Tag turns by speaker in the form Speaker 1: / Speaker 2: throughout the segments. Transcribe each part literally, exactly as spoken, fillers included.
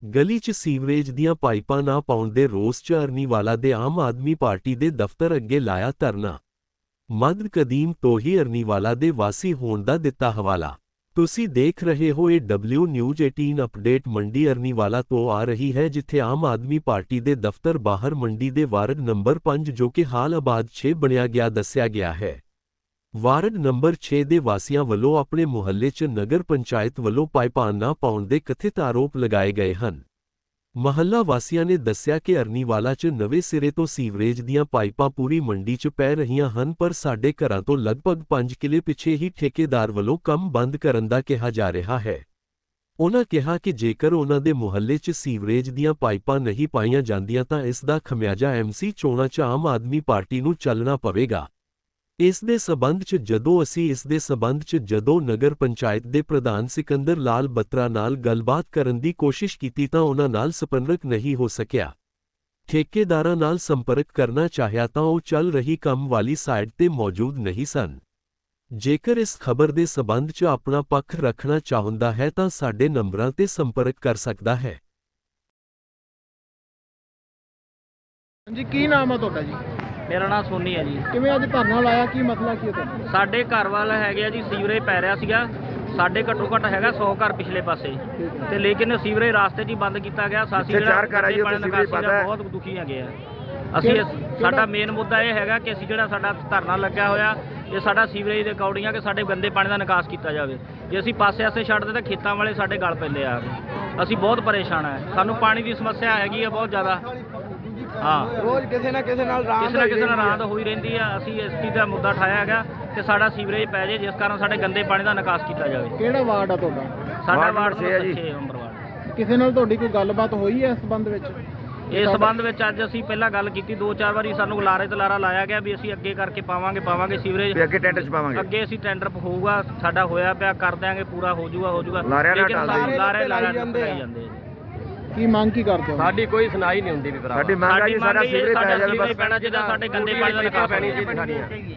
Speaker 1: ਗਲੀ 'ਚ ਸੀਵਰੇਜ ਦੀਆਂ ਪਾਈਪਾਂ ਨਾ ਪਾਉਣ ਦੇ ਰੋਸ 'ਚ ਅਰਨੀਵਾਲਾ ਦੇ ਆਮ ਆਦਮੀ ਪਾਰਟੀ ਦੇ ਦਫ਼ਤਰ ਅੱਗੇ ਲਾਇਆ ਧਰਨਾ। ਮੱਧ ਕਦੀਮ ਤੋਂ ਹੀ ਅਰਨੀਵਾਲਾ ਦੇ ਵਾਸੀ ਹੋਣ ਦਾ ਦਿੱਤਾ ਹਵਾਲਾ। ਤੁਸੀਂ ਦੇਖ ਰਹੇ ਹੋ ਇਹ ਡਬਲਿਊ ਨਿਊਜ਼ ਅਠਾਰਾਂ ਅਪਡੇਟ। ਮੰਡੀ ਅਰਨੀਵਾਲਾ ਤੋਂ ਆ ਰਹੀ ਹੈ, ਜਿੱਥੇ ਆਮ ਆਦਮੀ ਪਾਰਟੀ ਦੇ ਦਫ਼ਤਰ ਬਾਹਰ ਮੰਡੀ ਦੇ ਵਾਰਡ ਨੰਬਰ ਪੰਜ, ਜੋ ਕਿ ਹਾਲ ਆਬਾਦ ਛੇ ਬਣਿਆ ਗਿਆ, ਦੱਸਿਆ ਗਿਆ ਹੈ। ਵਾਰਡ ਨੰਬਰ ਛੇ ਦੇ ਵਾਸੀਆਂ ਵੱਲੋਂ ਆਪਣੇ ਮੁਹੱਲੇ 'ਚ ਨਗਰ ਪੰਚਾਇਤ ਵੱਲੋਂ ਪਾਈਪਾਂ ਨਾ ਪਾਉਣ ਦੇ ਕਥਿਤ ਆਰੋਪ ਲਗਾਏ ਗਏ ਹਨ। ਮਹੱਲਾ ਵਾਸੀਆਂ ਨੇ ਦੱਸਿਆ ਕਿ ਅਰਨੀਵਾਲਾ 'ਚ ਨਵੇਂ ਸਿਰੇ ਤੋਂ ਸੀਵਰੇਜ ਦੀਆਂ ਪਾਈਪਾਂ ਪੂਰੀ ਮੰਡੀ 'ਚ ਪੈ ਰਹੀਆਂ ਹਨ, ਪਰ ਸਾਡੇ ਘਰਾਂ ਤੋਂ ਲਗਭਗ ਪੰਜ ਕਿਲੇ ਪਿੱਛੇ ਹੀ ਠੇਕੇਦਾਰ ਵੱਲੋਂ ਕੰਮ ਬੰਦ ਕਰਨ ਦਾ ਕਿਹਾ ਜਾ ਰਿਹਾ ਹੈ। ਉਨ੍ਹਾਂ ਕਿਹਾ ਕਿ ਜੇਕਰ ਉਨ੍ਹਾਂ ਦੇ ਮੁਹੱਲੇ 'ਚ ਸੀਵਰੇਜ ਦੀਆਂ ਪਾਈਪਾਂ ਨਹੀਂ ਪਾਈਆਂ ਜਾਂਦੀਆਂ ਤਾਂ ਇਸ ਦਾ ਖਮਿਆਜਾ ਐਮਸੀ ਚੋਣਾਂ 'ਚ ਆਮ ਆਦਮੀ ਪਾਰਟੀ ਨੂੰ ਚੱਲਣਾ ਪਵੇਗਾ। ਇਸ ਦੇ ਸਬੰਧ 'ਚ ਜਦੋਂ ਅਸੀਂ ਇਸ ਦੇ ਸਬੰਧ 'ਚ ਜਦੋਂ ਨਗਰ ਪੰਚਾਇਤ ਦੇ ਪ੍ਰਧਾਨ ਸਿਕੰਦਰ ਲਾਲ ਬੱਤਰਾ ਨਾਲ ਗੱਲਬਾਤ ਕਰਨ ਦੀ ਕੋਸ਼ਿਸ਼ ਕੀਤੀ ਤਾਂ ਉਨ੍ਹਾਂ ਨਾਲ ਸੰਪਰਕ ਨਹੀਂ ਹੋ ਸਕਿਆ। ਠੇਕੇਦਾਰਾਂ ਨਾਲ ਸੰਪਰਕ ਕਰਨਾ ਚਾਹਿਆ ਤਾਂ ਉਹ ਚੱਲ ਰਹੀ ਕੰਮ ਵਾਲੀ ਸਾਈਟ ਤੇ ਮੌਜੂਦ ਨਹੀਂ ਸਨ। ਜੇਕਰ ਇਸ ਖਬਰ ਦੇ ਸਬੰਧ 'ਚ ਆਪਣਾ ਪੱਖ ਰੱਖਣਾ ਚਾਹੁੰਦਾ ਹੈ ਤਾਂ ਸਾਡੇ ਨੰਬਰਾਂ ਤੇ ਸੰਪਰਕ ਕਰ ਸਕਦਾ ਹੈ।
Speaker 2: ਜੀ ਕੀ ਨਾਮ ਆ ਤੁਹਾਡਾ ਜੀ?
Speaker 3: ਮੇਰਾ ਨਾਮ ਸੋਨੀ ਹੈ ਜੀ।
Speaker 2: ਕਿਵੇਂ ਅੱਜ ਧਰਨਾ ਲਾਇਆ, ਕੀ ਮਸਲਾ ਕੀ ਹੈ ਤੁਹਾਡਾ?
Speaker 3: ਸਾਡੇ ਘਰ ਵੱਲ ਹੈਗੇ ਆ ਜੀ, ਸੀਵਰੇਜ ਪੈ ਰਿਹਾ ਸੀਗਾ। ਸਾਡੇ ਘੱਟੋ ਘੱਟ ਹੈਗਾ ਸੌ ਘਰ ਪਿਛਲੇ ਪਾਸੇ, ਤੇ ਲੇਕਿਨ ਸੀਵਰੇਜ ਰਾਸਤੇ 'ਚ ਹੀ ਬੰਦ ਕੀਤਾ ਗਿਆ। ਸਾਸੀ ਜਿਹੜਾ ਬਹੁਤ ਦੁਖੀ ਹੈਗੇ ਆ ਅਸੀਂ। ਸਾਡਾ ਮੇਨ ਮੁੱਦਾ ਇਹ ਹੈਗਾ ਕਿ ਅਸੀਂ ਜਿਹੜਾ ਸਾਡਾ ਧਰਨਾ ਲੱਗਿਆ ਹੋਇਆ, ਇਹ ਸਾਡਾ ਸੀਵਰੇਜ ਦੇ ਅਕੋਰਡਿੰਗ ਆ ਕਿ ਸਾਡੇ ਗੰਦੇ ਪਾਣੀ ਦਾ ਨਿਕਾਸ ਕੀਤਾ ਜਾਵੇ। ਜੇ ਅਸੀਂ ਪਾਸੇ ਆਸੇ ਛੱਡਦੇ ਤਾਂ ਖੇਤਾਂ ਵਾਲੇ ਸਾਡੇ ਗਲ ਪੈਂਦੇ ਆ। ਅਸੀਂ ਬਹੁਤ ਪਰੇਸ਼ਾਨ ਆ, ਸਾਨੂੰ ਪਾਣੀ ਦੀ ਸਮੱਸਿਆ ਹੈਗੀ ਆ ਬਹੁਤ ਜ਼ਿਆਦਾ। ਹਾਂ,
Speaker 2: ਰੋਜ਼ ਕਿਸੇ ਨਾ ਕਿਸੇ ਨਾਲ
Speaker 3: ਕਿਸੇ ਨਾ ਕਿਸੇ ਨਾਲ ਰਾਂਦ ਹੋਈ ਰਹਿੰਦੀ ਆ। ਅਸੀਂ ਇਸ ਚੀਜ਼ ਦਾ ਮੁੱਦਾ ਉਠਾਇਆ ਹੈਗਾ ਕਿ ਸਾਡਾ ਸੀਵਰੇਜ ਪੈ ਜੇ, ਜਿਸ ਕਾਰਨ ਸਾਡੇ ਗੰਦੇ ਪਾਣੀ ਦਾ ਨਿਕਾਸ ਕੀਤਾ ਜਾਵੇ।
Speaker 2: ਕਿਹੜਾ ਵਾਰਡ ਆ ਤੁਹਾਡਾ?
Speaker 3: ਸਾਡਾ ਵਾਰਡ ਛੇ ਹੈ ਜੀ, ਨੰਬਰ ਵਾਰਡ।
Speaker 2: ਕਿਸੇ ਨਾਲ ਤੁਹਾਡੀ ਕੋਈ ਗੱਲਬਾਤ ਹੋਈ ਹੈ ਇਸ ਸੰਬੰਧ ਵਿੱਚ?
Speaker 3: ਇਸ ਸੰਬੰਧ ਵਿੱਚ ਅੱਜ ਅਸੀਂ ਪਹਿਲਾਂ ਗੱਲ ਕੀਤੀ, ਦੋ ਚਾਰ ਵਾਰੀ ਸਾਨੂੰ ਲਾਰੇ ਤੇ ਲਾਰਾ ਲਾਇਆ ਗਿਆ ਵੀ ਅਸੀਂ ਅੱਗੇ ਕਰਕੇ ਪਾਵਾਂਗੇ ਪਾਵਾਂਗੇ ਸੀਵਰੇਜ,
Speaker 4: ਅੱਗੇ ਟੈਂਡਰ ਚ ਪਾਵਾਂਗੇ,
Speaker 3: ਅੱਗੇ ਅਸੀਂ ਟੈਂਡਰ ਹੋਊਗਾ, ਸਾਡਾ ਹੋਇਆ ਪਿਆ, ਕਰ ਦਿਆਂਗੇ, ਪੂਰਾ ਹੋ ਜਾਊਗਾ ਹੋ ਜਾਊਗਾ।
Speaker 4: ਲੇਕਿਨ
Speaker 3: ਲਾਰੇ ਲਾਰੇ ਜਾਂਦੇ ਜਾਂਦੇ
Speaker 2: ਕੀ ਮੰਗ ਕੀ ਕਰਦੇ ਹੋ?
Speaker 3: ਸਾਡੀ ਕੋਈ ਸੁਣਾਈ ਨਹੀਂ ਹੁੰਦੀ ਵੀ ਭਰਾ।
Speaker 4: ਸਾਡੀ ਮੰਗ ਆ ਜੀ ਸਾਡਾ ਸੀਵਰੇਜ ਪੈ ਜਾਵੇ ਬਸ।
Speaker 3: ਪੈਣਾ ਜਿਹਦਾ ਸਾਡੇ ਗੰਦੇ ਪਾਣੀ ਦਾ ਨਿਕਾਸ ਪੈਣੀ ਚਾਹੀਦੀ।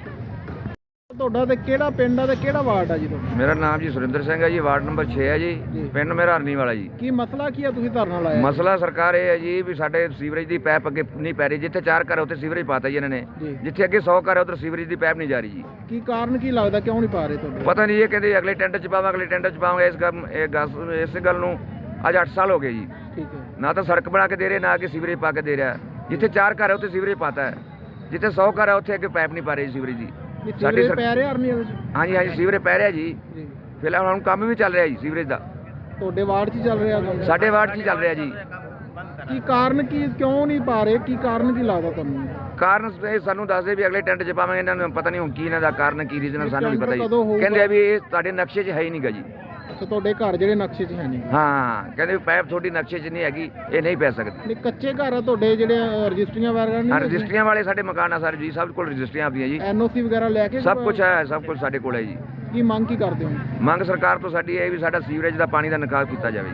Speaker 2: ਤੁਹਾਡਾ ਤੇ ਕਿਹੜਾ ਪਿੰਡ ਆ ਤੇ ਕਿਹੜਾ ਵਾਰਡ ਆ ਜੀ ਤੁਹਾਡਾ?
Speaker 4: ਮੇਰਾ ਨਾਮ ਜੀ ਸੁਰਿੰਦਰ ਸਿੰਘ ਹੈ ਜੀ, ਵਾਰਡ ਨੰਬਰ ਛੇ ਹੈ ਜੀ, ਪਿੰਡ ਮੇਰਾ ਅਰਨੀਵਾਲਾ ਜੀ।
Speaker 2: ਕੀ ਮਸਲਾ ਕੀ ਆ, ਤੁਸੀਂ ਧਰਨਾ ਲਾਇਆ?
Speaker 4: ਮਸਲਾ ਸਰਕਾਰ ਇਹ ਹੈ ਜੀ ਵੀ ਸਾਡੇ ਸੀਵਰੇਜ ਦੀ ਪਾਈਪ ਅੱਗੇ ਨਹੀਂ ਪੈ ਰਹੀ। ਜਿੱਥੇ ਚਾਰ ਘਰ ਉੱਥੇ ਸੀਵਰੇਜ ਪਾਤਾ ਜੀ ਇਹਨਾਂ ਨੇ, ਜਿੱਥੇ ਅੱਗੇ ਸੌ ਘਰ ਉੱਧਰ ਸੀਵਰੇਜ ਦੀ ਪਾਈਪ ਨਹੀਂ ਜਾ ਰਹੀ ਜੀ।
Speaker 2: ਕੀ ਕਾਰਨ ਕੀ ਲੱਗਦਾ, ਕਿਉਂ ਨਹੀਂ ਪਾ ਰਹੇ ਤੁਹਾਡੇ?
Speaker 4: ਪਤਾ ਨਹੀਂ, ਇਹ ਕਹਿੰਦੇ ਅਗਲੇ ਟੈਂਡਰ ਚ ਪਾਵਾਂਗੇ, ਅਗਲੇ ਟੈਂਡਰ ਚ ਪਾਵਾਂਗੇ। ਇਸ ਗੱਲ ਇਹ ਗੱਲ ਇਸ ਗੱਲ ਨੂੰ ਅੱਜ ਅੱਠ ਸਾਲ ਹੋ ਗਏ ਜੀ।
Speaker 2: ਠੀਕ ਹੈ। ਨਾ
Speaker 4: ਨਾ ਤਾਂ ਸੜਕ ਬਣਾ ਕੇ ਦੇ ਰਹੇ, ਨਾ ਅੱਗੇ ਸੀਵਰੇਜ ਪਾ ਕੇ ਦੇ ਰਿਹਾ। ਜਿੱਥੇ ਚਾਰ ਘਰ ਹੈ ਉੱਥੇ ਸੀਵਰੇਜ ਪਾਤਾ ਹੈ, ਜਿੱਥੇ ਸੌ ਘਰ ਹੈ ਉੱਥੇ ਅੱਗੇ ਪਾਈਪ ਨਹੀਂ ਪਾ ਰਹੀ ਸੀਵਰੇਜ ਦੀ।
Speaker 2: ਸਾਡੇ ਪੈ ਰਿਹਾ ਅਰਨੀਵਾਲਾ ਵਿੱਚ?
Speaker 4: ਹਾਂਜੀ ਹਾਂਜੀ, ਸੀਵਰੇਜ ਪੈ ਰਿਹਾ ਜੀ। ਫਿਲਹਾਲ ਹੁਣ ਕੰਮ ਵੀ ਚੱਲ ਰਿਹਾ ਜੀ ਸੀਵਰੇਜ ਦਾ।
Speaker 2: ਤੁਹਾਡੇ ਵਾਰਡ 'ਚ ਚੱਲ ਰਿਹਾ ਕੰਮ?
Speaker 4: ਸਾਡੇ ਵਾਰਡ 'ਚ ਚੱਲ ਰਿਹਾ ਜੀ।
Speaker 2: ਕੀ ਕਾਰਨ ਕੀ, ਕਿਉਂ ਨਹੀਂ ਪਾ ਰਹੇ, ਕੀ ਕਾਰਨ ਕੀ ਲੱਗਦਾ ਤੁਹਾਨੂੰ?
Speaker 4: ਕਾਰਨ ਇਹ ਸਾਨੂੰ ਦੱਸਦੇ ਵੀ ਅਗਲੇ ਟੈਂਡਰ 'ਚ ਪਾਵਾਂਗੇ। ਇਹਨਾਂ ਨੂੰ ਪਤਾ ਨਹੀਂ ਹੁਣ ਕੀ ਇਹਨਾਂ ਦਾ ਕਾਰਨ, ਕੀ ਰੀਜ਼ਨ, ਸਾਨੂੰ ਨਹੀਂ ਪਤਾ ਜੀ। ਕਹਿੰਦੇ ਆ ਵੀ ਇਹ ਤੁਹਾਡੇ ਨਕਸ਼ੇ 'ਚ ਹੈ ਹੀ ਨਹੀਂਗਾ ਜੀ।
Speaker 2: ਅੱਛਾ, ਤੁਹਾਡੇ ਘਰ ਜਿਹੜੇ ਨਕਸ਼ੇ 'ਚ ਹੈ ਨਹੀਂ?
Speaker 4: ਹਾਂ, ਕਹਿੰਦੇ ਪਾਈਪ ਤੁਹਾਡੀ ਨਕਸ਼ੇ 'ਚ ਨਹੀਂ ਹੈਗੀ, ਇਹ ਨਹੀਂ ਪੈ ਸਕਦੀ।
Speaker 2: ਨਹੀਂ, ਕੱਚੇ ਘਰ ਆ ਤੁਹਾਡੇ ਜਿਹੜੇ ਰਜਿਸਟਰੀਆਂ ਵਗੈਰਾ ਨਹੀਂ?
Speaker 4: ਰਜਿਸਟਰੀਆਂ ਵਾਲੇ ਸਾਡੇ ਮਕਾਨ ਆ ਸਾਰੇ ਜੀ, ਸਭ ਕੋਲ ਰਜਿਸਟਰੀਆਂ ਆਪਣੀਆਂ ਜੀ,
Speaker 2: ਐਨਓਸੀ ਵਗੈਰਾ ਲੈ ਕੇ?
Speaker 4: ਸਭ ਕੁਝ ਹੈ, ਸਭ ਕੁਝ ਸਾਡੇ ਕੋਲ ਹੈ ਜੀ।
Speaker 2: ਕੀ ਮੰਗ ਕੀ ਕਰਦੇ ਹੋ?
Speaker 4: ਮੰਗ ਸਰਕਾਰ ਤੋਂ ਸਾਡੀ ਇਹ ਵੀ ਸਾਡਾ ਸੀਵਰੇਜ ਦਾ ਪਾਣੀ ਦਾ ਨਿਕਾਸ ਕੀਤਾ ਜਾਵੇ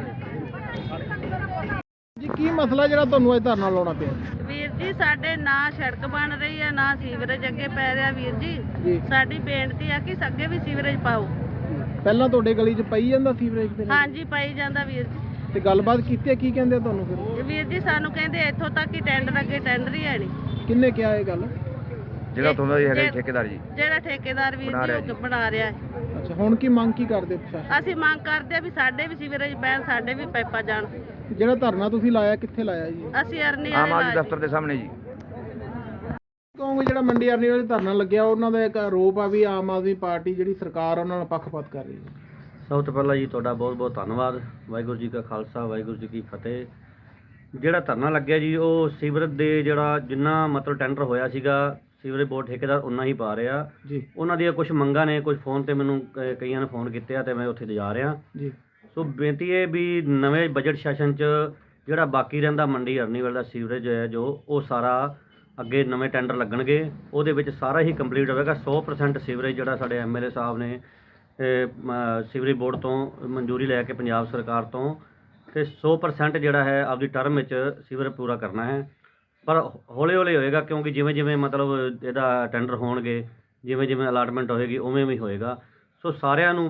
Speaker 2: ਜੀ। ਕੀ ਮਸਲਾ ਜਿਹੜਾ ਤੁਹਾਨੂੰ ਇਹ ਧਰਨਾ ਲਾਉਣਾ ਪਿਆ?
Speaker 5: ਵੀਰ ਜੀ, ਸਾਡੇ ਨਾ ਸੜਕ ਬਣ ਰਹੀ ਹੈ, ਨਾ ਸੀਵਰੇਜ ਅੱਗੇ ਪੈ ਰਿਹਾ। ਵੀਰ ਜੀ, ਸਾਡੀ ਬੇਨਤੀ ਆ ਕਿ ਅੱਗੇ ਵੀ ਸੀਵਰੇਜ ਪਾਓ।
Speaker 2: ਪਹਿਲਾਂ ਤੁਹਾਡੇ ਗਲੀ 'ਚ ਪਈ ਜਾਂਦਾ ਸੀਵਰੇਜ ਦੇ?
Speaker 5: ਹਾਂਜੀ, ਪਾਈ ਜਾਂਦਾ ਵੀਰ ਜੀ।
Speaker 2: ਤੇ ਗੱਲਬਾਤ ਕੀਤੀ, ਕੀ ਕਹਿੰਦੇ ਤੁਹਾਨੂੰ ਫਿਰ?
Speaker 5: ਵੀਰ ਜੀ, ਸਾਨੂੰ ਕਹਿੰਦੇ ਇੱਥੋਂ ਤੱਕ ਹੀ ਟੈਂਡਰ, ਅੱਗੇ ਟੈਂਡਰ ਹੀ ਹੈ ਨਹੀਂ।
Speaker 2: ਕਿੰਨੇ ਕਿਹਾ ਇਹ ਗੱਲ?
Speaker 4: ਜਿਹੜਾ ਤੁਹਾਨੂੰ ਹੈਗਾ ਠੇਕੇਦਾਰ ਜੀ,
Speaker 5: ਜਿਹੜਾ ਠੇਕੇਦਾਰ ਵੀਰ ਜੀ ਉਹ ਬਣਾ ਰਿਹਾ ਹੈ।
Speaker 2: ਅੱਛਾ, ਹੁਣ ਕੀ ਮੰਗ ਕੀ ਕਰਦੇ ਪ੍ਰਸ਼ਾਸਨ?
Speaker 5: ਅਸੀਂ ਮੰਗ ਕਰਦੇ ਆ ਵੀ ਸਾਡੇ ਵੀ ਸੀਵਰੇਜ ਪੈਣ, ਸਾਡੇ ਵੀ ਪਾਈਪਾਂ ਜਾਣ।
Speaker 2: ਜਿਹੜਾ ਧਰਨਾ ਤੁਸੀਂ ਲਾਇਆ, ਕਿੱਥੇ ਲਾਇਆ ਜੀ?
Speaker 5: ਅਸੀਂ ਅਰਨੀ
Speaker 4: ਆਮ ਆਦਮੀ ਦਫ਼ਤਰ ਦੇ ਸਾਹਮਣੇ ਜੀ।
Speaker 2: ਕਹੋਗੇ ਜਿਹੜਾ ਮੰਡੀ ਅਰਨੀ ਵਾਲੇ ਧਰਨਾ ਲੱਗਿਆ, ਉਹਨਾਂ ਦਾ ਇੱਕ ਆਰੋਪ ਆ ਵੀ ਆਮ ਆਦਮੀ ਪਾਰਟੀ ਜਿਹੜੀ ਸਰਕਾਰ ਉਹਨਾਂ ਨਾਲ ਪੱਖਪਾਤ ਕਰ ਰਹੀ ਹੈ।
Speaker 3: ਸਭ ਤੋਂ ਪਹਿਲਾਂ ਜੀ ਤੁਹਾਡਾ ਬਹੁਤ ਬਹੁਤ ਧੰਨਵਾਦ। ਵਾਹਿਗੁਰੂ ਜੀ ਕਾ ਖਾਲਸਾ, ਵਾਹਿਗੁਰੂ ਜੀ ਕੀ ਫਤਿਹ। ਜਿਹੜਾ ਧਰਨਾ ਲੱਗਿਆ ਜੀ, ਉਹ ਸੀਵਰੇਜ ਦੇ ਜਿਹੜਾ ਜਿੰਨਾ ਮਤਲਬ ਟੈਂਡਰ ਹੋਇਆ ਸੀਗਾ, ਸੀਵਰੇਜ ਬੋਰਡ ਠੇਕੇਦਾਰ ਉਨਾ ਹੀ ਪਾ ਰਿਹਾ ਜੀ। ਉਹਨਾਂ ਦੀਆਂ ਕੁਝ ਮੰਗਾਂ ਨੇ, ਕੁਝ ਫੋਨ ਤੇ ਮੈਨੂੰ ਕਈਆਂ ਨੇ ਫੋਨ ਕੀਤੇ ਆ ਤੇ ਮੈਂ ਉੱਥੇ ਜਾ ਰਿਹਾ ਜੀ। ਸੋ ਬੇਨਤੀ ਹੈ ਵੀ ਨਵੇਂ ਬਜਟ ਸੈਸ਼ਨ 'ਚ ਜਿਹੜਾ ਬਾਕੀ ਰਹਿੰਦਾ ਮੰਡੀ ਅਰਨੀਵਾਲ ਦਾ ਸੀਵਰੇਜ ਹੈ ਜੋ, ਉਹ ਸਾਰਾ ਅੱਗੇ ਨਵੇਂ ਟੈਂਡਰ ਲੱਗਣਗੇ, ਉਹਦੇ ਵਿੱਚ ਸਾਰਾ ਹੀ ਕੰਪਲੀਟ ਹੋਵੇਗਾ। ਸੌ ਪਰਸੈਂਟ ਸੀਵਰੇਜ ਜਿਹੜਾ ਸਾਡੇ ਐਮ ਐਲ ਏ ਸਾਹਿਬ ਨੇ ਸੀਵਰੇਜ ਬੋਰਡ ਤੋਂ ਮਨਜ਼ੂਰੀ ਲੈ ਕੇ ਪੰਜਾਬ ਸਰਕਾਰ ਤੋਂ, ਤੇ ਸੌ ਪਰਸੈਂਟ ਜਿਹੜਾ ਹੈ ਆਪਦੀ ਟਰਮ ਵਿੱਚ ਸੀਵਰੇਜ ਪੂਰਾ ਕਰਨਾ ਹੈ। ਪਰ ਹੌਲੀ ਹੌਲੀ ਹੋਏਗਾ, ਕਿਉਂਕਿ ਜਿਵੇਂ ਜਿਵੇਂ ਮਤਲਬ ਇਹਦਾ ਟੈਂਡਰ ਹੋਣਗੇ, ਜਿਵੇਂ ਜਿਵੇਂ ਅਲਾਟਮੈਂਟ ਹੋਏਗੀ, ਉਵੇਂ ਉਵੇਂ ਹੋਏਗਾ। ਸੋ ਸਾਰਿਆਂ ਨੂੰ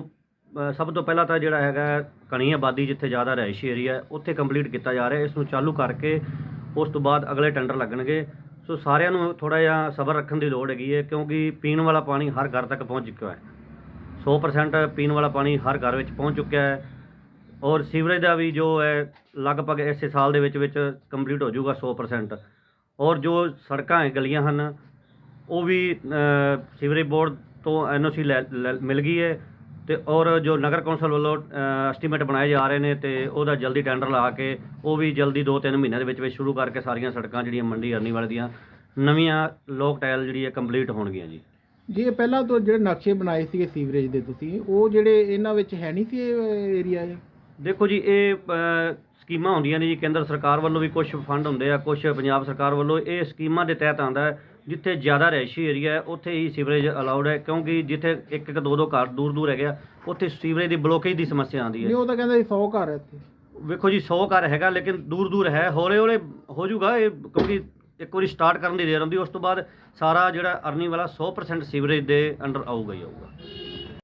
Speaker 3: ਅ, ਸਭ ਤੋਂ ਪਹਿਲਾਂ ਤਾਂ ਜਿਹੜਾ ਹੈਗਾ ਘਣੀ ਆਬਾਦੀ ਜਿੱਥੇ ਜ਼ਿਆਦਾ ਰਿਹਾਇਸ਼ੀ ਏਰੀਆ ਹੈ, ਉੱਥੇ ਕੰਪਲੀਟ ਕੀਤਾ ਜਾ ਰਿਹਾ। ਇਸ ਨੂੰ ਚਾਲੂ ਕਰਕੇ ਉਸ ਤੋਂ ਬਾਅਦ ਅਗਲੇ ਟੈਂਡਰ ਲੱਗਣਗੇ। ਸੋ ਸਾਰਿਆਂ ਨੂੰ ਥੋੜ੍ਹਾ ਜਿਹਾ ਸਬਰ ਰੱਖਣ ਦੀ ਲੋੜ ਹੈਗੀ ਹੈ, ਕਿਉਂਕਿ ਪੀਣ ਵਾਲਾ ਪਾਣੀ ਹਰ ਘਰ ਤੱਕ ਪਹੁੰਚ ਚੁੱਕਿਆ ਹੈ। ਸੌ ਪਰਸੈਂਟ ਪੀਣ ਵਾਲਾ ਪਾਣੀ ਹਰ ਘਰ ਵਿੱਚ ਪਹੁੰਚ ਚੁੱਕਿਆ ਹੈ, ਔਰ ਸੀਵਰੇਜ ਦਾ ਵੀ ਜੋ ਹੈ ਲਗਭਗ ਇਸੇ ਸਾਲ ਦੇ ਵਿੱਚ ਵਿੱਚ ਕੰਪਲੀਟ ਹੋ ਜਾਊਗਾ ਸੌ ਪਰਸੈਂਟ। ਔਰ ਜੋ ਸੜਕਾਂ ਹੈ ਗਲੀਆਂ ਹਨ ਉਹ ਵੀ ਅ, ਸੀਵਰੇਜ ਬੋਰਡ ਤੋਂ ਐਨ ਓ ਸੀ ਲੈ ਲੈ- ਮਿਲ ਗਈ ਹੈ, ਤੇ ਔਰ ਜੋ ਨਗਰ ਕੌਂਸਲ ਵੱਲੋਂ ਐਸਟੀਮੇਟ ਬਣਾਏ ਜਾ ਰਹੇ ਨੇ ਤੇ ਉਹਦਾ ਜਲਦੀ ਟੈਂਡਰ ਲਾ ਕੇ ਉਹ ਵੀ ਜਲਦੀ ਦੋ ਤਿੰਨ ਮਹੀਨਿਆਂ ਦੇ ਵਿੱਚ ਵਿੱਚ ਸ਼ੁਰੂ ਕਰਕੇ ਸਾਰੀਆਂ ਸੜਕਾਂ ਜਿਹੜੀਆਂ ਮੰਡੀ ਅਰਨੀਵਾਲ ਦੀਆਂ ਨਵੀਆਂ ਲੋਕ ਟਾਇਲ ਜਿਹੜੀ ਹੈ ਕੰਪਲੀਟ ਹੋਣਗੀਆਂ ਜੀ।
Speaker 2: ਜੀ ਇਹ ਪਹਿਲਾਂ ਤੋਂ ਜਿਹੜੇ ਨਕਸ਼ੇ ਬਣਾਏ ਸੀਗੇ ਸੀਵਰੇਜ ਦੇ ਤੁਸੀਂ, ਉਹ ਜਿਹੜੇ ਇਹਨਾਂ ਵਿੱਚ ਹੈ ਨਹੀਂ ਸੀ ਇਹ ਏਰੀਆ ਇਹ?
Speaker 3: ਦੇਖੋ ਜੀ, ਇਹ ਅ, ਸਕੀਮਾਂ ਹੁੰਦੀਆਂ ਨੇ ਜੀ, ਕੇਂਦਰ ਸਰਕਾਰ ਵੱਲੋਂ ਵੀ ਕੁਝ ਫੰਡ ਹੁੰਦੇ ਆ, ਕੁਝ ਪੰਜਾਬ ਸਰਕਾਰ ਵੱਲੋਂ। ਇਹ ਸਕੀਮਾਂ ਦੇ ਤਹਿਤ ਆਉਂਦਾ ਹੈ। ਜਿੱਥੇ ਜ਼ਿਆਦਾ ਰਿਹਾਇਸ਼ੀ ਏਰੀਆ ਹੈ ਉੱਥੇ ਹੀ ਸੀਵਰੇਜ ਅਲਾਉਡ ਹੈ, ਕਿਉਂਕਿ ਜਿੱਥੇ ਇੱਕ ਇੱਕ ਦੋ ਦੋ ਘਰ ਦੂਰ ਦੂਰ ਹੈਗੇ ਆ ਉੱਥੇ ਸੀਵਰੇਜ ਦੀ ਬਲੋਕੇਜ ਦੀ ਸਮੱਸਿਆ ਆਉਂਦੀ
Speaker 2: ਨਹੀਂ,
Speaker 3: ਹੈ।
Speaker 2: ਉਹ ਤਾਂ ਕਹਿੰਦਾ ਸੀ ਸੌ ਘਰ ਹੈ ਇੱਥੇ।
Speaker 3: ਵੇਖੋ ਜੀ, ਸੌ ਘਰ ਹੈਗਾ ਲੇਕਿਨ ਦੂਰ ਦੂਰ ਹੈ, ਹੌਲੇ ਹੌਲੇ ਹੋ ਜਾਊਗਾ ਇਹ, ਕਿਉਂਕਿ ਇੱਕ ਵਾਰੀ ਸਟਾਰਟ ਕਰਨ ਦੀ ਦੇਰ ਹੁੰਦੀ, ਉਸ ਤੋਂ ਬਾਅਦ ਸਾਰਾ ਜਿਹੜਾ ਅਰਨੀ ਵਾਲਾ ਸੌ ਪਰਸੈਂਟ ਸੀਵਰੇਜ ਦੇ ਅੰਡਰ ਆਊਗਾ ਹੀ ਆਊਗਾ।